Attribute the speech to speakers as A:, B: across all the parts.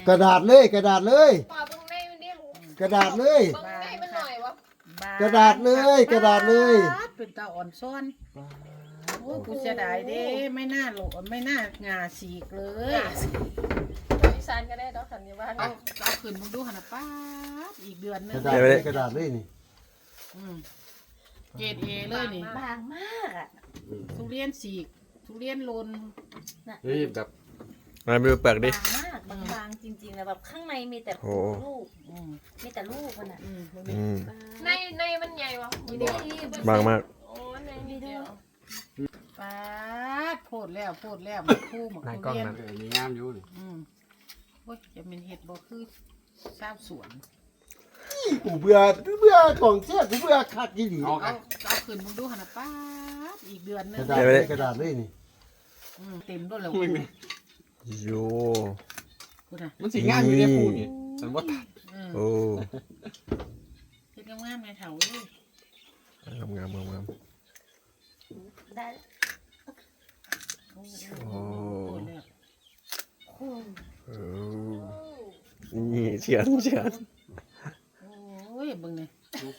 A: กระดาษเลยกระดาษเลย
B: ปอบตรงในมันดิ
A: กระดาษเลย
B: ตรงในมันหน่อยวะ
A: กระดาษเลยกระดาษเลย
C: เป็นตาอ่อนซ้อนโอ้กูเสียดายเด้ไม่น่าโหลไม่น่างาฉีกเลย
B: อีสานก็ได้ดอกสันนิบาต
C: เอาขึ้นมึงดูหันนะป้าดอีกเดือนนึ
A: ก
C: ง
A: ระดาษเลยกระดาษเลยนี่
C: เกรดเอเลยนี่
D: บางมากอ่ะ
C: ทุเรียนฉีกทุเรียนลน
E: เฮ้ยแบบ
F: มาดูเปลือกดิ
D: บางมากบางจริงๆนะแบบข้างในมีแต่
F: โอ้
D: ลูก
C: อืม
D: มีแต่ลูกมันอ่ะ
F: อืม
B: ในมันใหญ่วะ
F: บางมาก
B: โอ้ในนิดเดียว
C: ป้าดโพดแล้วมาคู่หมกทุเรียน
E: มีงามอยู่นี่
C: โอ้ยจะเป็นเห็ดบ่คือชาวสวน
A: กูเบื่อของเสียกูเบื่อคักยี่หลี
C: เอาขึ้นมึงดูหันนะป้าดอีกเดือนนึ
A: ก
C: ง
A: ระดาษเลยกระดาษเลยนี่
C: เต็มด้วยแล้ว
F: โย
C: คุณน่ะ
E: มันสีงามอยู่ในปูนี่ฉันว่าตัด
F: โอ้
C: เฮ็ดงามๆในแถวเลย
F: งาม
D: ได้
C: โอ้
F: โอ้
C: แล้ว
F: โอ้นี่เฉียน
C: โอ้ยเบิ่งนี่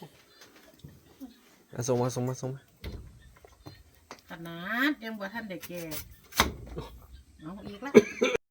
F: ส่งมา
C: ขนาดยังบ่ทันได้แก่เอาอีกละ